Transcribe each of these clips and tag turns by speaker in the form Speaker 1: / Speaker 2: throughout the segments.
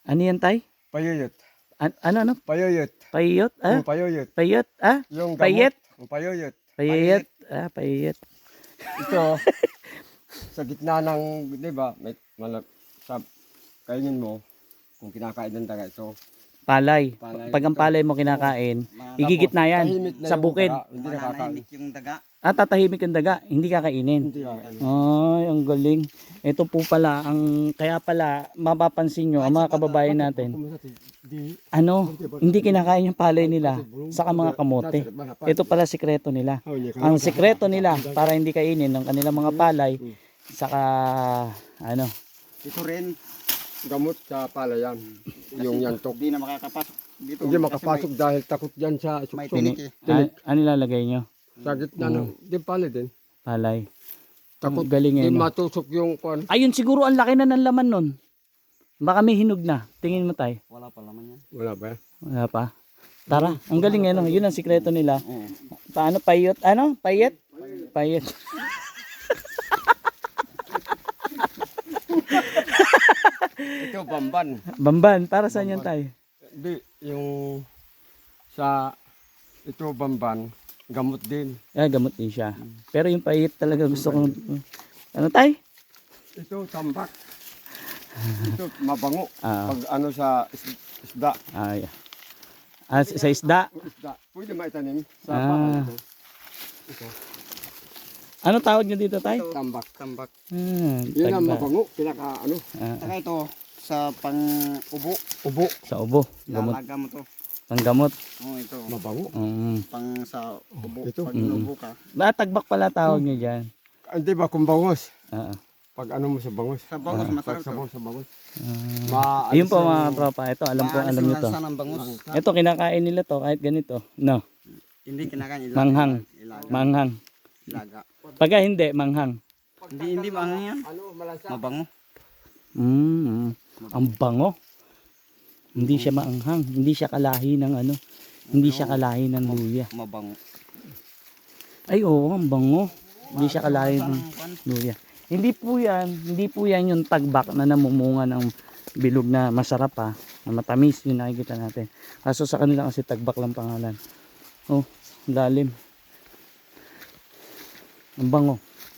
Speaker 1: Ano yan, tay?
Speaker 2: Payuyot.
Speaker 1: Ano?
Speaker 2: Payuyot.
Speaker 1: Payot? Ah?
Speaker 2: Payuyot.
Speaker 1: Payot? Ah?
Speaker 2: Yung gamot.
Speaker 1: Payet?
Speaker 2: Payuyot.
Speaker 1: Payet? Ah, payet.
Speaker 2: Ito, sa gitna ng, di ba, may sa kainin mo, kung kinakain ng daga, so,
Speaker 1: Palay.
Speaker 2: Palay.
Speaker 1: Pag ang palay mo kinakain, igigit na yan
Speaker 2: tahimik na
Speaker 1: sa
Speaker 2: yung
Speaker 1: bukid.
Speaker 2: daga, hindi nakakain.
Speaker 3: Mananahimik yung daga.
Speaker 1: Ah, tatahimik ang daga, hindi kakainin.
Speaker 2: Hindi nakakain.
Speaker 1: Ay, ang galing. Ito po pala, kaya pala, mapapansin nyo, ang mga kababayan natin, hindi kinakain yung palay nila, saka mga kamote. Ito pala sikreto nila. Ang sikreto nila, para hindi kainin ng kanilang mga palay, saka,
Speaker 3: Ito rin,
Speaker 2: Gamot sa palayan. Yung yantok.
Speaker 3: hindi na makakapasok dito.
Speaker 2: Hindi makapasok dahil takot yan sa
Speaker 3: May
Speaker 2: suksok.
Speaker 3: tinik eh.
Speaker 1: ano nilalagay nyo?
Speaker 2: Sa gitna ng, di palay din.
Speaker 1: Palay.
Speaker 2: Takot.
Speaker 1: Galing
Speaker 2: Di
Speaker 1: eh. No?
Speaker 2: matusok yung kwan.
Speaker 1: Ayun, siguro ang laki na ng laman nun. Baka may hinog na. Tingin mo tayo.
Speaker 3: Wala pa laman yan.
Speaker 2: Wala ba?
Speaker 1: Wala pa. Tara, ang galing eh. No? Yun ang sikreto nila.
Speaker 3: Oo.
Speaker 1: Paano payot? Ano? Payet? Payet.
Speaker 2: Ito bamban.
Speaker 1: Bamban. Para saan yan tayo?
Speaker 2: Di, yung sa ito bamban, gamot din.
Speaker 1: Gamot din siya. Pero yung payet talaga gusto kong... Ano tayo?
Speaker 2: Ito tambak. Ito mabango.
Speaker 1: Ah.
Speaker 2: Pag ano sa isda.
Speaker 1: Yeah. Sa isda.
Speaker 2: Isda. Pwede maitanim sa
Speaker 1: Ah.
Speaker 2: bakal ito. Ito.
Speaker 1: Ano tawag nyo dito tayo?
Speaker 2: Tambak.
Speaker 3: Tambak.
Speaker 2: Yun ang
Speaker 1: Tagba.
Speaker 2: mabango. Pinaka ano.
Speaker 3: Saka ito, sa pang-ubo.
Speaker 2: Ubo.
Speaker 1: Sa ubo. Gamot.
Speaker 3: Lalaga mo to.
Speaker 1: Panggamot.
Speaker 3: Oo, ito.
Speaker 2: Mabango.
Speaker 3: Pang sa ubo.
Speaker 2: Ito.
Speaker 3: Pag inubo ka.
Speaker 1: Tagbak pala tawag nyo dyan.
Speaker 2: Hindi ba kung bangos?
Speaker 1: Ah.
Speaker 2: Pag ano mo sa bangos.
Speaker 3: Sa bangus, masarap
Speaker 2: Pag sabaw
Speaker 3: to.
Speaker 2: sa bangos.
Speaker 1: Ayun po mga tropa. Ito, alam nyo to.
Speaker 3: Maalis ng bangus.
Speaker 1: Ito, kinakain nila to kahit ganito. No.
Speaker 3: Hindi kinakain.
Speaker 1: Manghang.
Speaker 3: Ilaga.
Speaker 1: Manghang.
Speaker 3: Ilaga.
Speaker 1: Pagka hindi, manghang.
Speaker 3: Hindi manghang yan.
Speaker 2: Ano, malansa.
Speaker 3: Mabango.
Speaker 1: Ang bango. Hindi siya maanghang. Hindi siya kalahi ng ano. Hindi siya kalahi ng luya.
Speaker 3: Mabango.
Speaker 1: Ay oo, ang bango. Hindi siya kalahi ng luya. Hindi po yan yung tagbak na namumunga ng bilog na masarap ha. Na matamis yung nakikita natin. Kaso sa kanila kasi tagbak lang pangalan. Oh, lalim. Ang bango.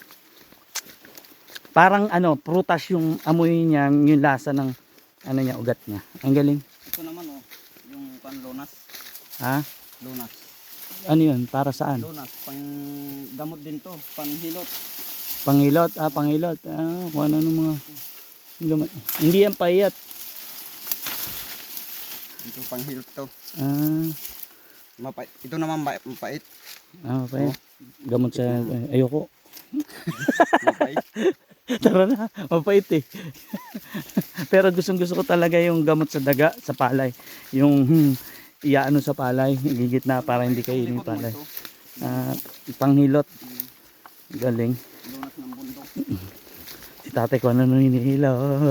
Speaker 1: Parang prutas yung amoy niya, yung lasa ng niya, ugat niya. Ang galing.
Speaker 3: Ito naman oh, yung lonas.
Speaker 1: Ha?
Speaker 3: Lonas.
Speaker 1: Ano yun? Para saan?
Speaker 3: Lonas, pang gamot din to, panghilot.
Speaker 1: Panghilot. Panghilot. Kung ano ng mga gamot. Hindi yan payat.
Speaker 3: Ito panghilot to.
Speaker 1: Mapait.
Speaker 3: Ito naman mapait.
Speaker 1: Payat. Gamot sa ayoko.
Speaker 3: Mapait.
Speaker 1: Tara na, mapait eh. Pero gusto ko talaga yung gamot sa daga, sa palay. Yung iyaano sa palay, igigit na para hindi kainin yung palay. Panghilot. Galing.
Speaker 3: Lonas ng bundok.
Speaker 1: Si tatay ko ano hinihila.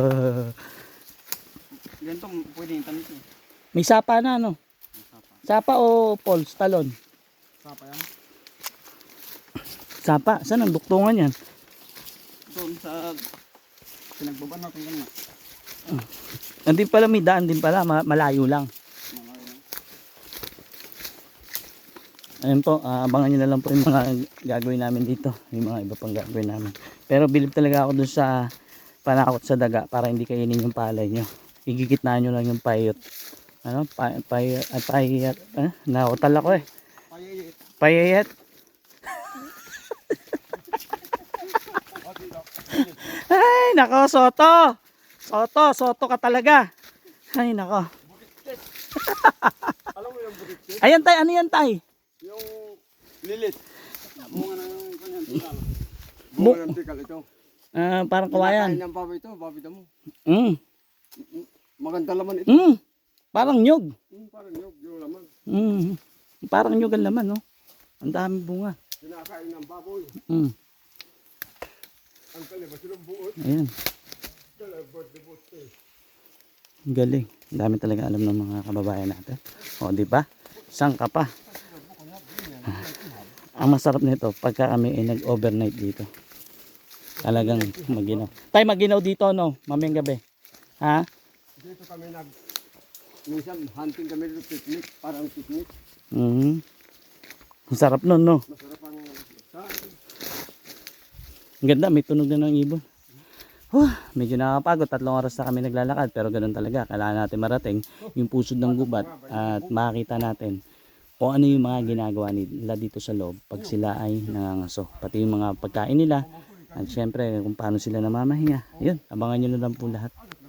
Speaker 3: Ganito pwede yung tamis eh.
Speaker 1: May sapa na ano? Sapa o poles, talon?
Speaker 3: Sapa yan.
Speaker 1: Sapa, saan ang duktungan yan?
Speaker 3: Doon sa pinagbaban natin ganyan.
Speaker 1: Hindi pala may daan din pala, malayo lang. Ayun po, abangan nyo na lang po yung mga gagawin namin dito. Yung mga iba pang gagawin namin. Pero bilib talaga ako dun sa panakot sa daga para hindi kainin yung palay nyo. Igigitnaan nyo lang yung payot. Ano? Payat. Nautal ako eh. Payayat. Ay, nako, Soto. Soto ka talaga. Ay, nako.
Speaker 2: Alam mo yung butik?
Speaker 1: Ayan tay, ano yan tay?
Speaker 2: Yung lilit.
Speaker 3: Bunga ng kanyan tikal.
Speaker 2: Bunga ng tikal ito.
Speaker 1: Parang kawayan.
Speaker 2: Kinakain ng baboy ito, baboy mo. Maganda laman ito.
Speaker 1: Parang nyug.
Speaker 2: Parang yung laman.
Speaker 1: Parang nyug ang laman, no? Ang dami bunga.
Speaker 2: Kinakain ng baboy. Ang kaliba silang buot.
Speaker 1: Ayan. Ang galing. Ang dami talaga alam ng mga kababayan natin. O, di ba? Sang ka pa. Ang masarap nito pagka kami ay nag-overnight dito. Talagang maginaw. Tay, maginaw dito, no? Mamayang gabi. Ha?
Speaker 2: Dito kami minsan hunting kami dito, picnic, parang picnic.
Speaker 1: Mhm. Ang sarap nun, no?
Speaker 2: Masarap ang sa
Speaker 1: Ang ganda, may tunog na ng ibon. Medyo nakakapagod, 3 oras na kami naglalakad, pero ganun talaga. Kailangan natin marating yung pusod ng gubat at makita natin kung ano yung mga ginagawa nila dito sa loob pag sila ay nangangaso. Pati yung mga pagkain nila at syempre kung paano sila namamahinga. Yun, abangan nyo na lang po lahat.